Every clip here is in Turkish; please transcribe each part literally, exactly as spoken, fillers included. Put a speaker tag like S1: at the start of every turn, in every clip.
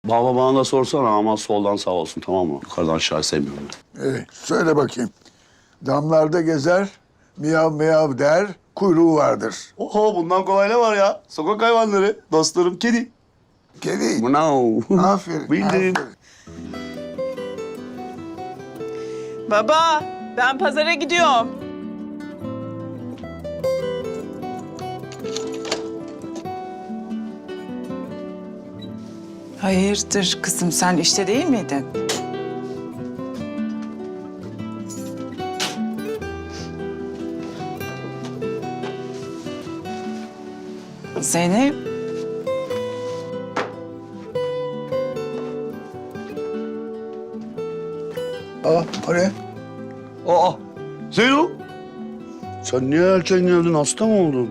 S1: Baba bana da sorsana ama soldan sağ olsun, tamam mı? Yukarıdan aşağı sevmiyorum ben.
S2: Ee, söyle bakayım. Damlarda gezer, miyav miyav der, kuyruğu vardır.
S1: Oho, bundan kolay ne var ya? Sokak hayvanları, dostlarım kedi.
S2: Kedi.
S1: Mınav.
S2: Aferin,
S1: Bildim.
S2: aferin.
S3: Baba, ben pazara gidiyorum.
S4: Hayırdır kızım, sen işte değil miydin? Zeynep,
S2: Aa, o ne?
S1: Aa, Zeyno. Sen niye erken geldin? Hasta mı oldun?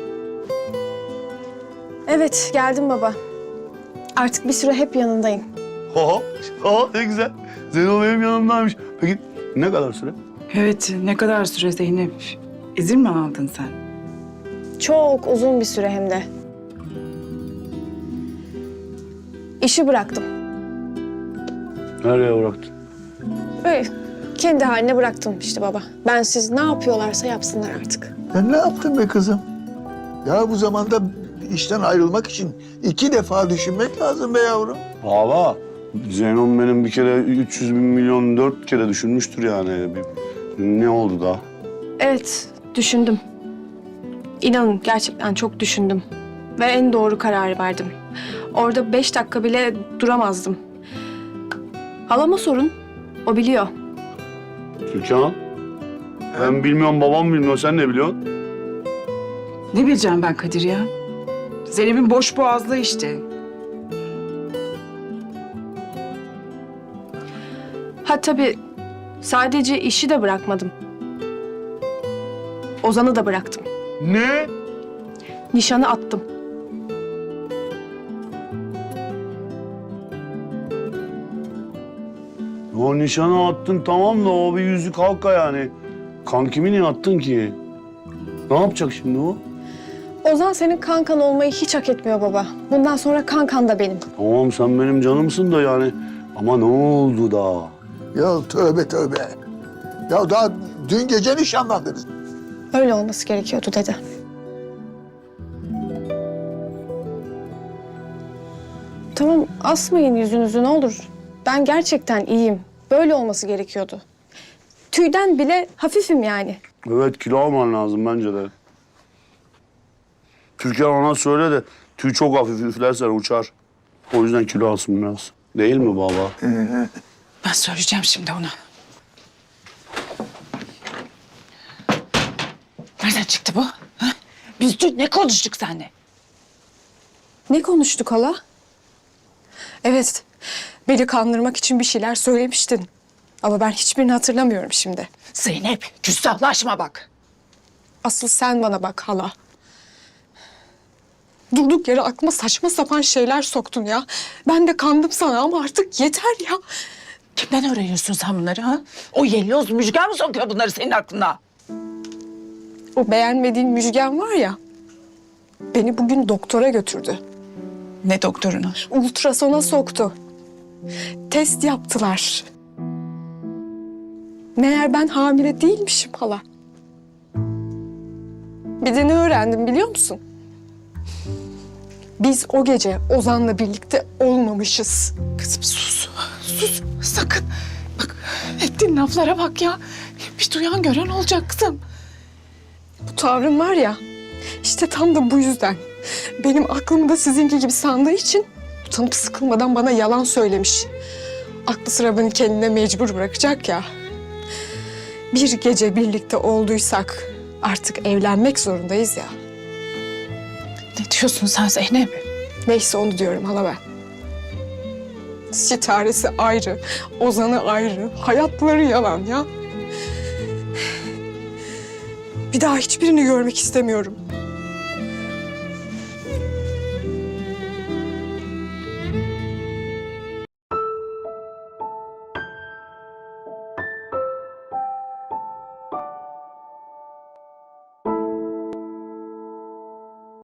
S5: Evet, geldim baba. Artık bir süre hep yanındayım.
S1: Ha, ha, ne güzel. Zeyno benim yanımdaymış. Peki ne kadar süre?
S4: evet ne kadar süre Zeynep? İzin mi aldın sen?
S5: Çok uzun bir süre hem de. İşi bıraktım.
S1: Nereye bıraktın?
S5: Öyle kendi haline bıraktım işte baba. Ben siz ne yapıyorlarsa yapsınlar artık.
S2: Sen ne yaptın be kızım? Ya bu zamanda işten ayrılmak için iki defa düşünmek lazım be yavrum.
S1: Baba, Zeyno'm benim bir kere üç yüz bin milyon dört kere düşünmüştür yani. Bir- Ne oldu da?
S5: Evet, düşündüm. İnanın gerçekten çok düşündüm. Ve en doğru kararı verdim. Orada beş dakika bile duramazdım. Halama sorun, o biliyor.
S1: Türkan, ben bilmiyorum, babam bilmiyor. Sen ne biliyorsun?
S4: Ne bileceğim ben Kadir ya? Zeynep'in boş boğazlığı işte.
S5: Ha tabii sadece işi de bırakmadım. Ozan'ı da bıraktım.
S1: Ne?
S5: Nişanı attım.
S1: O nişanı attın tamam da o bir yüzük halka yani. Kankimi niye attın ki? Ne yapacak şimdi o?
S5: Ozan senin kankan olmayı hiç hak etmiyor baba. Bundan sonra kankan da benim.
S1: Tamam sen benim canımsın da yani. Ama ne oldu da?
S2: Ya tövbe tövbe. Ya daha dün gece nişanlandınız.
S5: Öyle olması gerekiyordu dede. Tamam asmayın yüzünüzü ne olur. Ben gerçekten iyiyim. Böyle olması gerekiyordu. Tüyden bile hafifim yani.
S1: Evet, kilo alman lazım bence de. Türkan ona söyle de tüy çok hafif, üflersen uçar. O yüzden kilo alsın biraz. Değil mi baba?
S4: Ben söyleyeceğim şimdi ona. Nereden çıktı bu? Ha? Biz dün ne konuştuk seninle?
S5: Ne konuştuk hala? Evet, beni kandırmak için bir şeyler söylemiştin. Ama ben hiçbirini hatırlamıyorum şimdi.
S4: Zeynep, küstahlaşma bak.
S5: Asıl sen bana bak hala. Durduk yere aklıma saçma sapan şeyler soktun ya. Ben de kandım sana ama artık yeter ya.
S4: Kimden öğreniyorsun sen bunları ha? O yelloz Müjgan mı sokuyor bunları senin aklına?
S5: O beğenmediğin Müjgan var ya. Beni bugün doktora götürdü.
S4: Ne doktoruna?
S5: Ultrasona soktu. Test yaptılar. Meğer ben hamile değilmişim hala. Bir de ne öğrendim biliyor musun? Biz o gece Ozan'la birlikte olmamışız.
S4: Kızım sus, sus sakın. Bak ettiğin laflara bak ya. Bir duyan gören olacak kızım.
S5: Bu tavrın var ya, işte tam da bu yüzden. Benim aklımı da sizinki gibi sandığı için utanıp sıkılmadan bana yalan söylemiş. Aklı sıra beni kendine mecbur bırakacak ya. Bir gece birlikte olduysak artık evlenmek zorundayız ya.
S4: Ne diyorsun sen Zeynep?
S5: Neyse onu diyorum hala ben. Sitaresi ayrı, Ozan'ı ayrı, hayatları yalan ya. Bir daha hiçbirini görmek istemiyorum.